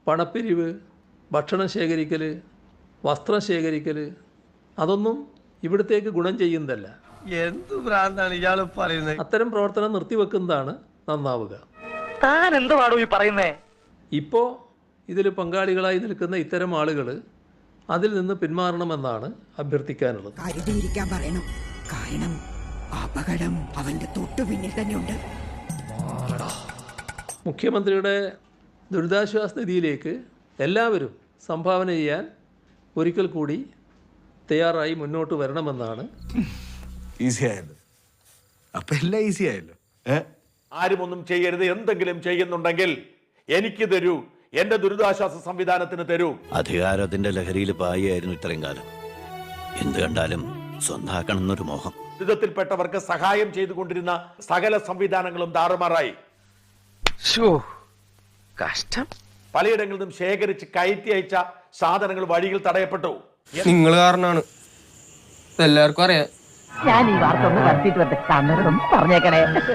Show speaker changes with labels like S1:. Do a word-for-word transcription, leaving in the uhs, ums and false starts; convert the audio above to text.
S1: പണപ്പിരിവ്, ഭക്ഷണം ശേഖരിക്കൽ, വസ്ത്രം ശേഖരിക്കൽ, അതൊന്നും ഇവിടത്തേക്ക് ഗുണം ചെയ്യുന്നതല്ല.
S2: എന്ത് ഭ്രാന്താണ് ഇയാൾ പറയുന്നത്?
S1: അത്തരം പ്രവർത്തനം നിർത്തിവെക്കുന്നതാണ് നന്നാവുക.
S3: താൻ എന്തുവാടോ ഈ പറയുന്നേ?
S1: ഇപ്പോൾ ഇതിൽ പങ്കാളികളായി നിൽക്കുന്ന ഇത്തരം ആളുകൾ അതിൽ നിന്ന് പിന്മാറണമെന്നാണ് അഭ്യർത്ഥിക്കാനുള്ളത്.
S4: കരുതിയിരിക്കാൻ പറയണം. കാരണം അപകടം അവന്റെ തൊട്ടു പിന്നിൽ തന്നെയുണ്ട്.
S1: മുഖ്യമന്ത്രിയുടെ ദുരിതാശ്വാസ നിധിയിലേക്ക് എല്ലാവരും സംഭാവന ചെയ്യാൻ ഒരിക്കൽ കൂടി തയ്യാറായി മുന്നോട്ട് വരണമെന്നാണ്.
S5: ഈസി ആയല്ലോ, അപ്പൊ എല്ലാം ഈസി ആയല്ലോ.
S6: ആരും ഒന്നും ചെയ്യരുത്, എന്തെങ്കിലും ചെയ്യുന്നുണ്ടെങ്കിൽ എനിക്ക് തരൂ, എന്റെ ദുരിതാശ്വാസ സംവിധാനത്തിന് തരൂ.
S7: അധികാരത്തിന്റെ ലഹരിയിൽ പായായിരുന്നു ഇത്രയും കാലം. എന്ത് കണ്ടാലും സ്വന്താക്കണം എന്നൊരു മോഹം.
S6: ദുരിതത്തിൽപ്പെട്ടവർക്ക് സഹായം ചെയ്തുകൊണ്ടിരുന്ന സകല സംവിധാനങ്ങളും താറുമാറായി.
S3: കഷ്ടം.
S6: പലയിടങ്ങളിൽ നിന്നും ശേഖരിച്ച് കയറ്റി അയച്ച സാധനങ്ങൾ വഴിയിൽ തടയപ്പെട്ടു.
S2: നിങ്ങൾ കാരണമാണ്, എല്ലാവർക്കും അറിയാം.
S3: ഞാൻ ഈ വാർത്ത ഒന്ന് വരുത്തിയിട്ട് വരട്ടെ, പറഞ്ഞേക്കണേ.